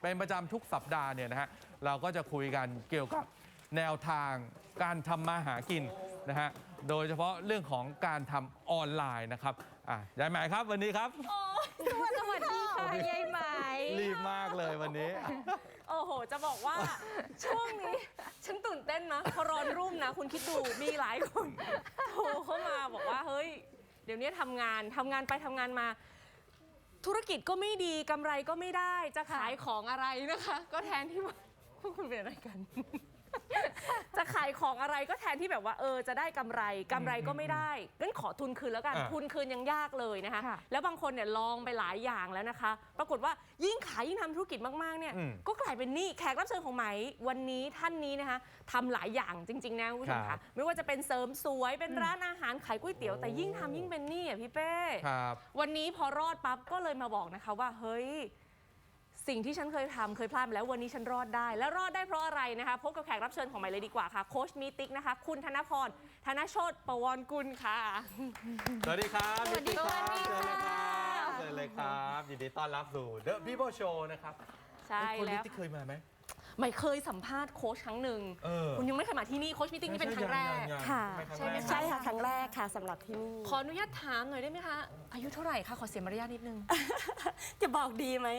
เป็นประจำทุกสัปดาห์เนี่ยนะฮะเราก็จะคุยกันเกี่ยวกับแนวทางการทำมาหากินนะฮะโดยเฉพาะเรื่องของการทำออนไลน์นะครับยายไหมครับวันนี้ครับสวัสดีค่ะยายไหมรีบมากเลยวันนี้โอ้โหจะบอกว่าช่วงนี้ฉันตื่นเต้นนะพอร้อนรุ่มนะคุณคิดดูมีหลายคนโทรเข้ามาบอกว่าเฮ้ยเดี๋ยวนี้ทำงานไปทำงานมาธุรกิจก็ไม่ดีกำไรก็ไม่ได้จะขายของอะไรนะคะก็แทนที่ว่าพวกคุณเป็นอะไรกัน จะขายของอะไรก็แทนที่แบบว่าจะได้กำไรก็ไม่ได้งั้นขอทุนคืนแล้วกันทุนคืนยังยากเลยนะคะแล้วบางคนเนี่ยลองไปหลายอย่างแล้วนะคะปรากฏว่ายิ่งขายยิ่งทำธุรกิจมากๆเนี่ยก็กลายเป็นหนี้แขกรับเชิญของไหมวันนี้ท่านนี้นะคะทำหลายอย่างจริงๆนะคุณผู้ชมคะไม่ว่าจะเป็นเสริมสวยเป็นร้านอาหารขายก๋วยเตี๋ยวแต่ยิ่งทำยิ่งเป็นหนี้อ่ะพี่เป้วันนี้พอรอดปั๊บก็เลยมาบอกนะคะว่าเฮ้ยสิ่งที่ฉันเคยพลาดมาแล้ววันนี้ฉันรอดได้และรอดได้เพราะอะไรนะคะพบกับแขกรับเชิญของใหม่เลยดีกว่าค่ะโค้ชมีติ๊กนะคะคุณธนพรธนโชติประวรกุลค่ะสวัสดีครับสวัสดีครับเชิญเลยครับยินดีต้อนรับสู่ The People Show นะครับใช่แล้วที่เคยมาไหมไม่เคยสัมภาษณ์โค้ชครั้งหนึ่งคุณยังไม่เคยมาที่นี่โค้ชมีติ๊กนี่เป็นครั้งแรกค่ะใช่ไหมใช่ค่ะครั้งแรกค่ะสำหรับที่นี่ขออนุญาตถามหน่อยได้ไหมคะอายุเท่าไหร่คะขอเสียมารยาทนิดนึงจะบอกดีไหม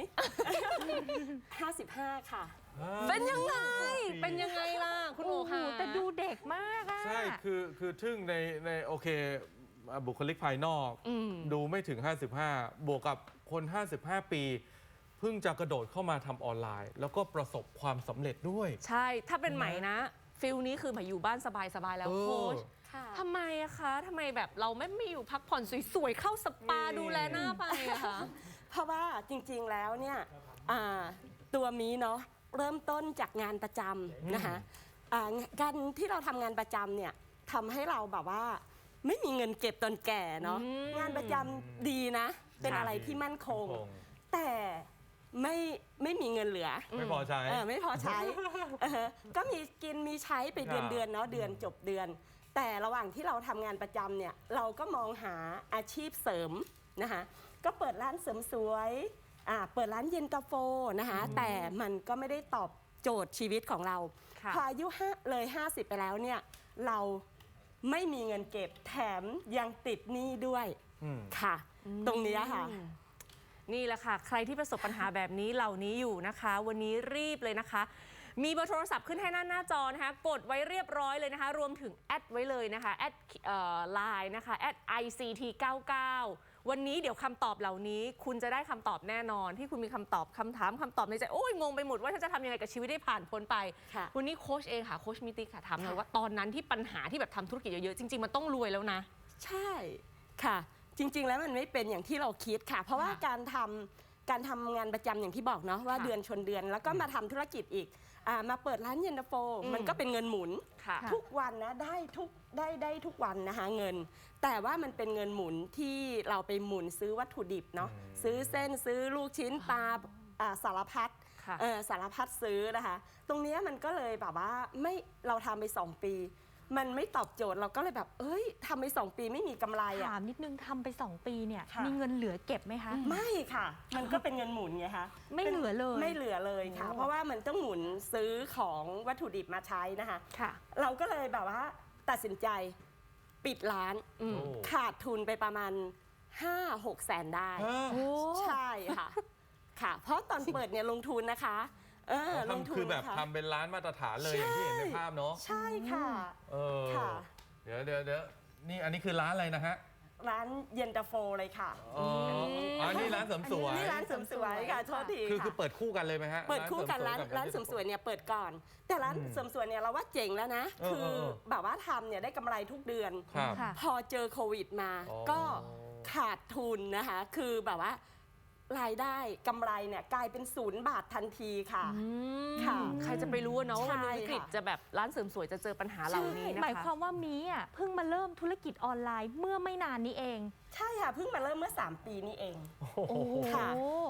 55ค่ะเป็นยังไงล่ะคุณโอค่ะแต่ดูเด็กมากอะใช่คือทึ่งในโอเคบุคลิกภายนอกดูไม่ถึง55บวกกับคน55ปีเพิ่งจะกระโดดเข้ามาทำออนไลน์แล้วก็ประสบความสำเร็จด้วยใช่ถ้าเป็นใหม่นะฟิลนี้คือหมายอยู่บ้านสบายๆแล้วโค้ชทำไมอะคะทำไมแบบเราไม่อยู่พักผ่อนสวยๆเข้าสปาดูแลหน้าไปอะคะเพราะว่าจริงๆแล้วเนี่ยตัวมีเนาะเริ่มต้นจากงานประจำนะคะการที่เราทำงานประจำเนี่ยทำให้เราแบบว่าไม่มีเงินเก็บตอนแก่เนาะงานประจำดีนะเป็นอะไรที่มั่นคงแต่ไม่มีเงินเหลือไม่พอใช้ไม่พอใช้ก็มีกินมีใช้ไปเดือนเนาะเดือนจบเดือนแต่ระหว่างที่เราทำงานประจำเนี่ยเราก็มองหาอาชีพเสริมนะคะก็เปิดร้านเสริมสวยเปิดร้านเย็นตาโฟนะคะแต่มันก็ไม่ได้ตอบโจทย์ชีวิตของเราพออายุเลย50ไปแล้วเนี่ยเราไม่มีเงินเก็บแถมยังติดหนี้ด้วยค่ะตรงนี้ค่ะนี่แหละค่ะใครที่ประสบปัญหาแบบนี้เหล่านี้อยู่นะคะวันนี้รีบเลยนะคะมีเบอร์โทรศัพท์ขึ้นให้หน้าจอนะคะกดไว้เรียบร้อยเลยนะคะรวมถึงแอดไว้เลยนะคะแอดไลน์นะคะแอด ICT99 วันนี้เดี๋ยวคำตอบเหล่านี้คุณจะได้คำตอบแน่นอนที่คุณมีคำตอบคำถามในใจโอ้ยงงไปหมดว่าจะทำยังไงกับชีวิตได้ผ่านพ้นไปวันนี้โค้ชเองค่ะโค้ชมิติค่ะถามหน่อยว่าตอนนั้นที่ปัญหาที่แบบทำธุรกิจเยอะๆจริงๆมันต้องรวยแล้วนะใช่ค่ะจริงๆแล้วมันไม่เป็นอย่างที่เราคิดค่ะเพราะว่าการทำงานประจำอย่างที่บอกเนาะว่าเดือนชนเดือนแล้วก็มาทำธุรกิจอีกมาเปิดร้านเย็นตาโฟมันก็เป็นเงินหมุนทุกวันนะได้ทุกวันนะคะเงินแต่ว่ามันเป็นเงินหมุนที่เราไปหมุนซื้อวัตถุดิบเนาะซื้อเส้นซื้อลูกชิ้นปลาสารพัดซื้อนะคะตรงนี้มันก็เลยแบบว่าเราทำไป2 ปีมันไม่ตอบโจทย์เราก็เลยแบบทำไป2 ปีไม่มีกำไรถามนิดนึงทำไป2 ปีเนี่ยมีเงินเหลือเก็บไหมคะไม่ค่ะมันก็เป็นเงินหมุนไงคะไม่เหลือเลยค่ะเพราะว่ามันต้องหมุนซื้อของวัตถุดิบมาใช้นะคะเราก็เลยแบบว่าตัดสินใจปิดร้านขาดทุนไปประมาณ 5-6 แสนได้ใช่ค่ะเพราะตอนเปิดเนี่ยลงทุนนะคะลงทุนคือแบบทำเป็นร้านมาตรฐานเลยอย่างที่เห็นในภาพเนาะใช่ค่ะเดี๋ยวนี่อันนี้คือร้านอะไรนะฮะร้านเย็นตาโฟเลยค่ะนี่ร้านเสริมสวยนี่ร้านเสริมสวยค่ะโทษทีคือเปิดคู่กันเลยไหมฮะเปิดคู่กันร้านเสริมสวยเนี่ยเปิดก่อนแต่ร้านเสริมสวยเนี่ยเราว่าเจ๋งแล้วนะคือแบบว่าทำเนี่ยได้กำไรทุกเดือนพอเจอโควิดมาก็ขาดทุนนะคะคือแบบว่ารายได้กำไรเนี่ยกลายเป็น0 บาททันทีค่ะใครจะไปรู้เนาะว่าวิกฤตจะแบบร้านเสริมสวยจะเจอปัญหาเหล่านี้นะคะหมายความว่ามีเพิ่งมาเริ่มธุรกิจออนไลน์เมื่อไม่นานนี้เองใช่ค่ะเพิ่งมาเริ่มเมื่อ3 ปีนี้เองโอ้ค่ะ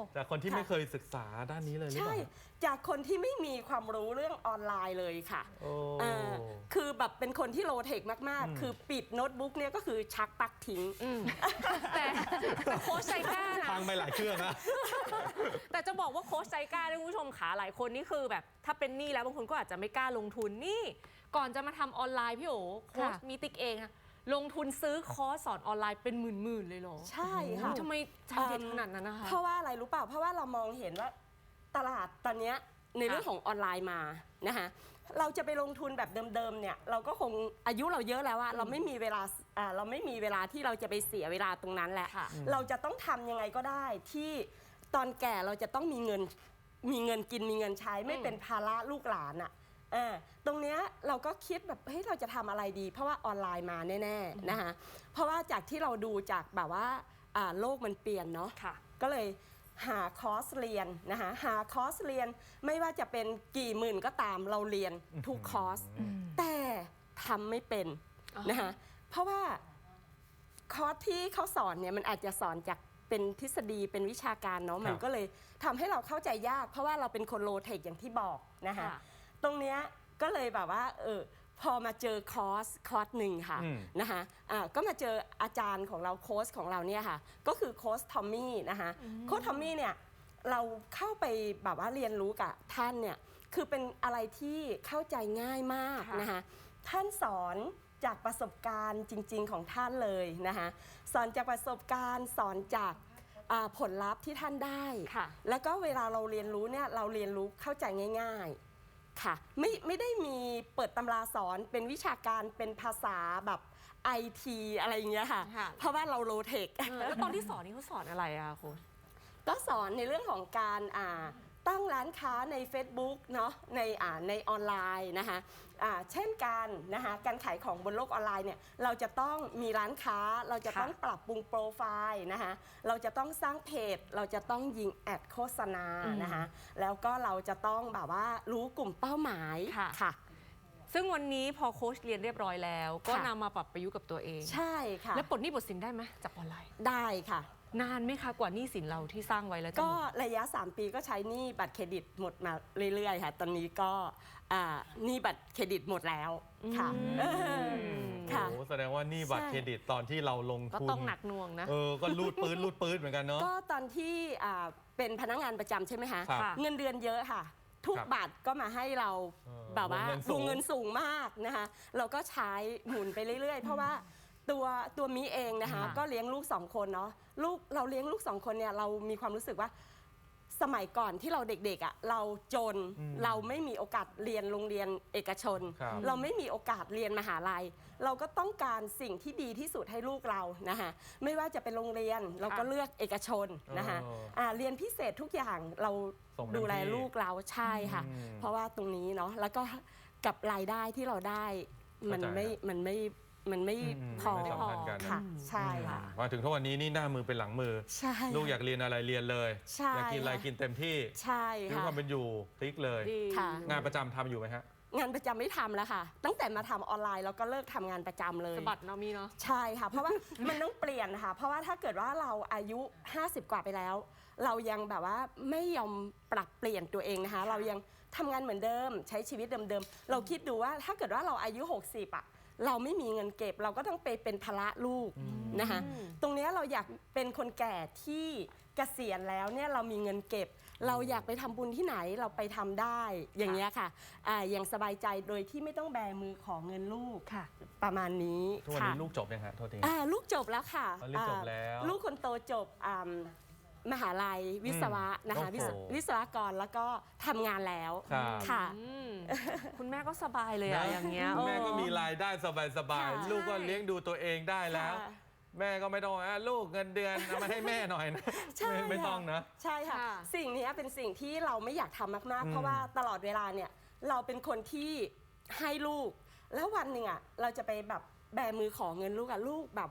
จากคนที่ไม่เคยศึกษาด้านนี้เลยหรือเปใช่ล่าจากคนที่ไม่มีความรู้เรื่องออนไลน์เลยค่ะโอ้คือแบบเป็นคนที่โลเทคมากๆ คือปิดโน้ตบุ๊กเนี่ยก็คือชักปลั๊กทิ้งแต่โค้ชใจกล้านะพังไปหลายเครื่องนะแต่จะบอกว่าโค้ชใจกล้าด้วยคุณผู้ชมขาหลายคนนี่คือแบบถ้าเป็นหนี้แล้วบางคนก็อาจจะไม่กล้าลงทุนนี่ก่อนจะมาทำออนไลน์พี่โอโค้ชมีติ๊กเองอะลงทุนซื้อคอร์สสอนออนไลน์เป็นหมื่นๆเลยเหรอใช่ค่ะทำไมใจเด็ดขนาดนั้นนะคะเพราะว่าอะไรรู้เปล่า เพราะว่าเรามองเห็นว่าตลาดตอนเนี้ยในเรื่องของออนไลน์มานะคะเราจะไปลงทุนแบบเดิมๆเนี่ยเราก็คงอายุเราเยอะแล้วอะเราไม่มีเวลาเราไม่มีเวลาที่เราจะไปเสียเวลาตรงนั้นแหละค่ะเราจะต้องทำยังไงก็ได้ที่ตอนแก่เราจะต้องมีเงินกินมีเงินใช้ไม่เป็นภาระลูกหลานอะตรงเนี้ยเราก็คิดแบบเฮ้ยเราจะทำอะไรดี เพราะว่าออนไลน์มาแน่ๆนะคะเพราะว่าจากที่เราดูจากแบบว่าโลกมันเปลี่ยนเนาะค่ะก็เลยหาคอร์สเรียนนะคะหาคอร์สเรียนไม่ว่าจะเป็นกี่หมื่นก็ตามเราเรียนทุกคอร์สแต่ทำไม่เป็นนะคะเพราะว่าคอร์สที่เขาสอนเนี่ยมันอาจจะสอนจากเป็นทฤษฎีเป็นวิชาการเนาะมันก็เลยทำให้เราเข้าใจยาก เพราะว่าเราเป็นคนโลเทคอย่างที่บอกนะคะค่ะตรงเนี้ยก็เลยแบบว่าพอมาเจอคอร์สหนึ่งค่ะนะคะก็มาเจออาจารย์ของเราโค้ชของเราเนี่ยค่ะก็คือโค้ชทอมมี่นะคะโค้ชทอมมี่เนี่ยเราเข้าไปแบบว่าเรียนรู้กับท่านเนี่ยคือเป็นอะไรที่เข้าใจง่ายมากนะคะท่านสอนจากประสบการณ์จริงๆของท่านเลยนะคะสอนจากประสบการณ์สอนจากผลลัพธ์ที่ท่านได้ค่ะแล้วก็เวลาเราเรียนรู้เนี่ยเราเรียนรู้เข้าใจง่ายๆค่ะไม่ได้มีเปิดตำราสอนเป็นวิชาการเป็นภาษาแบบไอทีอะไรอย่างเงี้ยค่ะค่ะเพราะว่าเราโลเทคแล้วตอนที่สอนนี่เขาสอนอะไรอะโค้ชก็สอนในเรื่องของการตั้งร้านค้าใน Facebook เนาะในออนไลน์นะคะเช่นการนะคะการขายของบนโลกออนไลน์เนี่ยเราจะต้องมีร้านค้าเราจะต้องปรับปรุงโปรไฟล์นะคะเราจะต้องสร้างเพจเราจะต้องยิงแอดโฆษณานะคะแล้วก็เราจะต้องแบบว่ารู้กลุ่มเป้าหมายค่ะค่ะซึ่งวันนี้พอโค้ชเรียนเรียบร้อยแล้ว ก็ค่ะนำมาปรับประยุกต์กับตัวเองใช่ค่ะแล้วปลดหนี้ปลดสินได้ไหมจากออนไลน์ได้ค่ะนานไหมคะกว่าหนี้สินเราที่สร้างไว้แล้วจะก็หมดระยะ 3 ปีก็ใช้หนี้บัตรเครดิตหมดมาเรื่อยๆค่ะ ตอนนี้ก็หนี้บัตรเครดิตหมดแล้วค่ะค่ะโอ้โหแสดงว่านี่บัตรใช่เครดิตตอนที่เราลงก็ทุนต้องหนักหน่วงนะก็รูดปืนเหมือนกันเนาะก็ตอนที่เป็นพนักงานประจำใช่ไหมคะครับค่ะเงินเดือนเยอะค่ะ ทุกครับบาทก็มาให้เรา แบบว่าเงินสูงวงเงินสูงมากนะคะเราก็ใช้หมุนไปเรื่อยๆ เพราะว่าตัวมิเองนะคะค่ะก็เลี้ยงลูก2 คนเนาะเราเลี้ยงลูก2 คนเนี่ยเรามีความรู้สึกว่าสมัยก่อนที่เราเด็กๆอ่ะเราจนเราไม่มีโอกาสเรียนโรงเรียนเอกชนครับเราไม่มีโอกาสเรียนมหาลัย เราก็ต้องการสิ่งที่ดีที่สุดให้ลูกเรานะคะไม่ว่าจะเป็นโรงเรียนเราก็เลือกเอกชนนะคะเรียนพิเศษทุกอย่างเราส่งเต็มดูแลที่ลูกเราใช่ค่ะ เพราะว่าตรงนี้เนาะแล้วก็กับรายได้ที่เราได้มันเข้าใจไม่พอไม่สัมพันธ์กันค่ะใช่ค่ะมาถึงทุกวันนี้นี่หน้ามือเป็นหลังมือใช่ลูกอยากเรียนอะไรเรียนเลยใช่อยากกินอะไรกินเต็มที่ใช่ชีวิตค่ะความเป็นอยู่พลิกเลยดีค่ะงานประจำทำอยู่ไหมฮะงานประจำไม่ทำแล้วค่ะ ตั้งแต่มาทำออนไลน์เราก็เลิกทำงานประจำเลยสะบัดเนาะมีเนาะใช่ค่ะ เพราะว่า มันต้องเปลี่ยนค่ะ เพราะว่าถ้าเกิดว่าเราอายุ 50 กว่าไปแล้ว เรายังแบบว่าไม่ยอมปรับเปลี่ยนตัวเองนะคะ เรายังทำงานเหมือนเดิม ใช้ชีวิตเดิมๆเราคิดดูว่าถ้าเกิดว่าเราอายุ 60อ่ะเราไม่มีเงินเก็บ เราก็ต้องไปเป็นภาระลูกนะคะตรงเนี้ยเราอยากเป็นคนแก่ที่เกษียณแล้วเนี่ยเรามีเงินเก็บ เราอยากไปทำบุญที่ไหนเราไปทำได้อย่างเงี้ยค่ะอย่างสบายใจโดยที่ไม่ต้องแบมือของเงินลูกค่ะประมาณนี้ทุกวันค่ะนี้ลูกจบยังฮะโทษทีลูกจบแล้วค่ะอ๋อลูกจบแล้วลูกคนโตจบมหาลัยวิศวะนะคะโอ้โหวิศวกรแล้วก็ทำงานแล้วครับค่ะคุณแม่ก็สบายเลยอะนะอย่างเงี้ยแม่ก็มีรายได้สบายค่ะๆลูกก็เลี้ยงดูตัวเองได้แล้วค่ะแม่ก็ไม่ต้องลูกเงินเดือนเอามาให้แม่หน่อยนะใช่ไม่ต้องนะใช่ค่ะค่ะสิ่งนี้เป็นสิ่งที่เราไม่อยากทำมากๆ เพราะว่าตลอดเวลาเนี่ยเราเป็นคนที่ให้ลูก แล้ววันหนึ่งอ่ะเราจะไปแบบแบมือของเงินลูกอ่ะลูกแบบว่า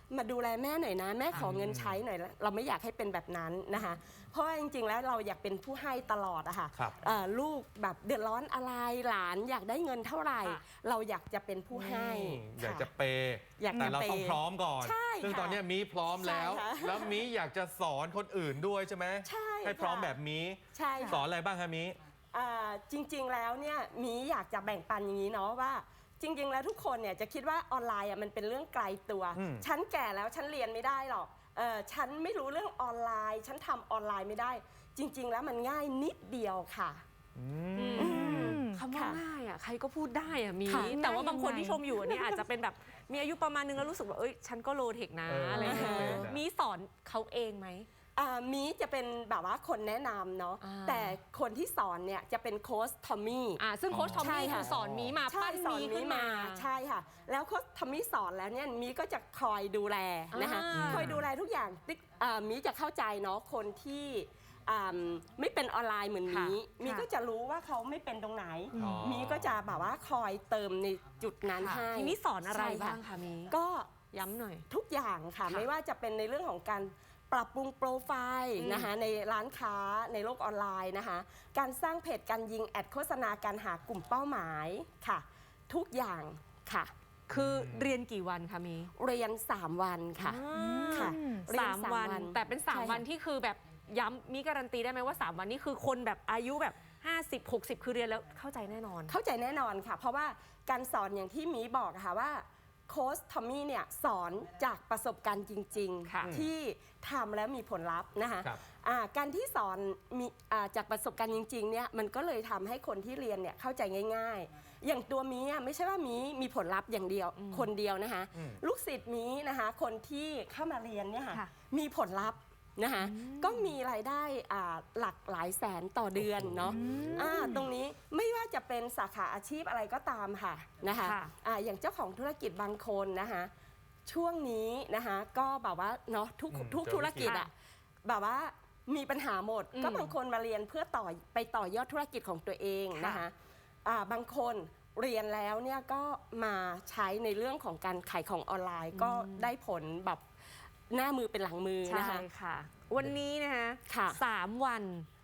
มาดูแลแม่หน่อยนะแม่ขอเงินใช้หน่อยเราไม่อยากให้เป็นแบบนั้นนะคะเพราะว่าจริงๆแล้วเราอยากเป็นผู้ให้ตลอดอะค่ะครับลูกแบบเดือดร้อนอะไรหลานอยากได้เงินเท่าไหร่ค่ะเราอยากจะเป็นผู้ให้อยากค่จะเปย์อยากจะแต่เราต้องเปย์พร้อมก่อนใช่ซึ่งค่ะตอนเนี้ยมีพร้อมแล้วใช่ค่ะแล้วมีอยากจะสอนคนอื่นด้วยใช่ไหมใช่ให้พร้อมค่ะแบบมีใช่สอค่ะนอะไรบ้างคะมีจริงๆแล้วเนี่ยมีอยากจะแบ่งปันอย่างนี้เนาะว่า จริงๆแล้วทุกคนเนี่ยจะคิดว่าออนไลน์มันเป็นเรื่องไกลตัว ฉันแก่แล้วฉันเรียนไม่ได้หรอกฉันไม่รู้เรื่องออนไลน์ ฉันทำออนไลน์ไม่ได้ จริง ๆ แล้วมันง่ายนิดเดียวค่ะคำว่าค่ะง่ายอ่ะใครก็พูดได้อ่ะมีค่ะแต่ว่าง่ายบางคนยังไงที่ชมอยู่อันนี้อาจจะเป็นแบบมีอายุประมาณนึงแล้วรู้สึกว่าเอ้ยฉันก็โลเทคนะอะไรอย่างเงี้ยไม่เป็นอะมีสอนเขาเองไหมมีจะเป็นแบบว่าคนแนะนำเนาะอ่าแต่คนที่สอนเนี่ยจะเป็นโค้ชทอมมี่ซึ่งโค้ชทอมใช่มี่ค่ะคือสอนมีมาใช่ปั้นสอนมีมีขึ้นมาใช่ค่ะ แล้วโค้ชทอมมี่สอนแล้วเนี่ยมีก็จะคอยดูแลนะคะอ่าคอยดูแลทุกอย่างมีจะเข้าใจเนาะคนที่ไม่เป็นออนไลน์เหมือนมีก็จะรู้ว่าเขาไม่เป็นตรงไหนอ๋อมีก็จะแบบว่าคอยเติมในจุดนั้นค่ะให้ทีนี้สอนอะไรใช่ค่ะบ้างคะมีก็ย้ำหน่อยทุกอย่างค่ะค่ะไม่ว่าจะเป็นในเรื่องของการปรับปรุงโปรไฟล์นะคะในร้านค้าในโลกออนไลน์นะคะการสร้างเพจการยิงแอดโฆษณาการหากลุ่มเป้าหมายค่ะ ทุกอย่างค่ะคือเรียนกี่วันคะมีเรียน 3 วันค่ะค่ะเรียน 3 วัน แต่เป็นใช่ค่ะ 3 วันที่คือแบบย้ำมีการันตีได้ไหมว่า 3 วันนี้คือคนแบบอายุแบบ50 60 คือเรียนแล้วเข้าใจแน่นอนเข้าใจแน่นอนค่ะ เพราะว่าการสอนอย่างที่มีบอกอะค่ะว่าโค้ชทอมมี่เนี่ยสอนจากประสบการณ์จริงค่ะๆ ที่ทำแล้วมีผลลัพธ์นะคะครับการที่สอนมีจากประสบการณ์จริงๆเนี่ยมันก็เลยทำให้คนที่เรียนเนี่ยเข้าใจง่าย ๆ อย่างตัวมีไม่ใช่ว่ามีผลลัพธ์อย่างเดียวคนเดียวนะคะลูกศิษย์มีนะคะคนที่เข้ามาเรียนเนี่ยค่ะค่ะมีผลลัพธ์นะคะก็มีรายได้หลักหลายแสนต่อเดือนเนาะตรงนี้ไม่ว่าจะเป็นสาขาอาชีพอะไรก็ตามค่ะนะคะค่ะอย่างเจ้าของธุรกิจบางคนนะคะช่วงนี้นะคะก็แบบว่าเนาะทุกธุรกิจอะแบบว่ามีปัญหาหมด ก็บางคนมาเรียนเพื่อไปต่อยอดธุรกิจของตัวเองนะคะบางคนเรียนแล้วเนี่ยก็มาใช้ในเรื่องของการขายของออนไลน์ก็ได้ผลแบบหน้ามือเป็นหลังมือใช่นะคะค่ะ วันนี้นะคะค่ะ 3 วัน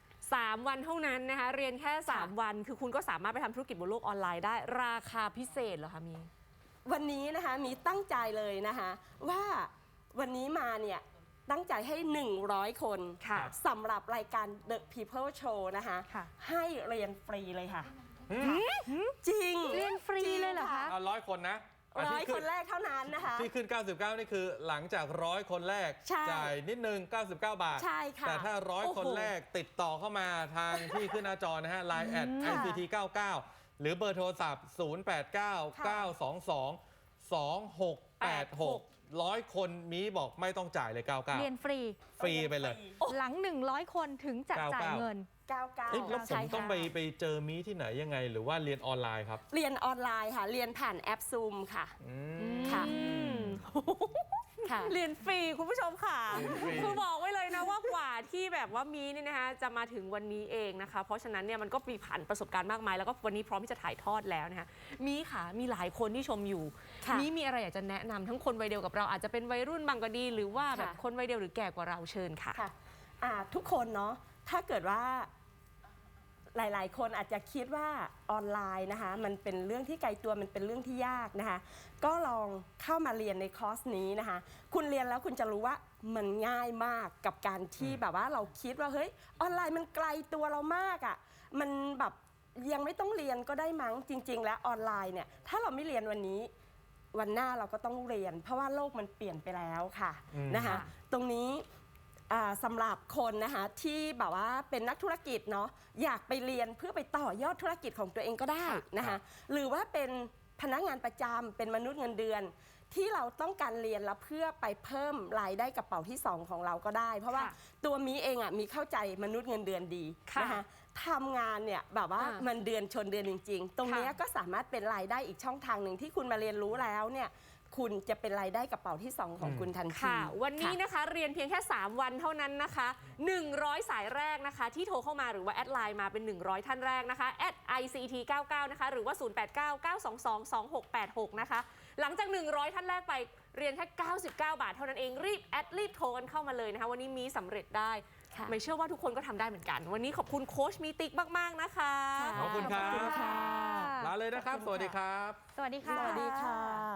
3 วันเท่านั้นนะคะ เรียนแค่ 3 วัน คือคุณก็สามารถไปทำธุรกิจบนโลกออนไลน์ได้ ราคาพิเศษเหรอคะมีวันนี้นะคะมีตั้งใจเลยนะคะว่าวันนี้มาเนี่ยตั้งใจให้ 100 คนค่ะสำหรับรายการ The People Show นะคะค่ะให้เรียนฟรีเลยค่ะจริงเรียนฟรีเลยเหรอคะ 100 คนนะร้อยที่คนแรกเท่านั้นนะคะที่ขึ้น 99 นี่คือหลังจาก100 คนแรกใช่จ่ายนิดนึง 99 บาทใช่ค่ะแต่ถ้าโอ้โห 100 คนแรกติดต่อเข้ามาทางที่ขึ้นหน้าจอนะฮะ Line ICT 99 หรือเบอร์โทรศัพท์ 089-922-2686 100 คนมีบอกไม่ต้องจ่ายเลย 99 เรียนฟรีฟรีไปเลยหลัง 100 คนถึงจะจ่ายเงิน 99 เอ๊ะแล้วผใช่มค่ะต้องไปเจอมีที่ไหนยังไง หรือว่าเรียนออนไลน์ครับเรียนออนไลน์ค่ะ เรียนผ่านแอป Zoom ค่ะ ค่ะ ค่ะเรียนฟรีคุณผู้ชมค่ะเรียนฟรีคือบอกไว้เลยนะว่ากว่าที่แบบว่ามีนี่นะคะจะมาถึงวันนี้เองนะคะ เพราะฉะนั้นเนี่ยมันก็มีผ่านประสบการณ์มากมาย แล้วก็วันนี้พร้อมที่จะถ่ายทอดแล้วนะคะมีค่ะมีหลายคนที่ชมอยู่ค่ะมีอะไรอยากจะแนะนำทั้งคนวัยเดียวกับเราอาจจะเป็นวัยรุ่นบางก็ดี หรือว่าแบบค่ะคนวัยเดียวหรือแก่กว่าเราเชิญค่ะค่ะทุกคนเนาะถ้าเกิดว่าหลายๆ คนอาจจะคิดว่าออนไลน์นะคะมันเป็นเรื่องที่ไกลตัวมันเป็นเรื่องที่ยากนะคะก็ลองเข้ามาเรียนในคอร์สนี้นะคะคุณเรียนแล้วคุณจะรู้ว่ามันง่ายมากกับการที่แบบว่าเราคิดว่าเฮ้ยออนไลน์มันไกลตัวเรามากอะ่ะมันแบบยังไม่ต้องเรียนก็ได้มั้งจริง ๆ แล้วออนไลน์เนี่ยถ้าเราไม่เรียนวันนี้ วันหน้าเราก็ต้องเรียน เพราะว่าโลกมันเปลี่ยนไปแล้วค่ะนะคะค่ะตรงนี้สำหรับคนนะคะที่แบบว่าเป็นนักธุรกิจเนาะอยากไปเรียนเพื่อไปต่อยอดธุรกิจของตัวเองก็ได้นะคะหรือว่าเป็นพนักงานประจำเป็นมนุษย์เงินเดือน ที่เราต้องการเรียนแล้วเพื่อไปเพิ่มรายได้กระเป๋าที่ 2 ของเราก็ได้ เพราะว่าค่ะตัวมีเองอ่ะมีเข้าใจมนุษย์เงินเดือนดีค่ะนะคะทำงานเนี่ยแบบว่ามันเดือนชนเดือนจริง ๆ ตรงเนี้ยค่ะก็สามารถเป็นรายได้อีกช่องทางหนึ่งที่คุณมาเรียนรู้แล้วเนี่ยคุณจะเป็นรายได้กระเป๋าที่ 2 ของคุณทันทีค่ะ วันนี้ค่ะนะคะเรียนเพียงแค่ 3 วันเท่านั้นนะคะ 100 สายแรกนะคะ ที่โทรเข้ามาหรือว่าแอดไลน์มาเป็น 100 ท่านแรกนะคะแอด ICT99 นะคะหรือว่า 0899222686 นะคะ หลังจาก 100 ท่านแรกไปเรียนแค่ 99 บาทเท่านั้นเองรีบแอดรีบโทรกันเข้ามาเลยนะคะวันนี้มีสำเร็จได้ค่ะไม่เชื่อว่าทุกคนก็ทำได้เหมือนกัน วันนี้ขอบคุณโค้ชมีติ๊กมากๆนะคะค่ะขอบคุณครับขอบคุณค่ะลาเลยนะครับ สวัสดีครับสวัสดีค่ะสวัสดีค่ะ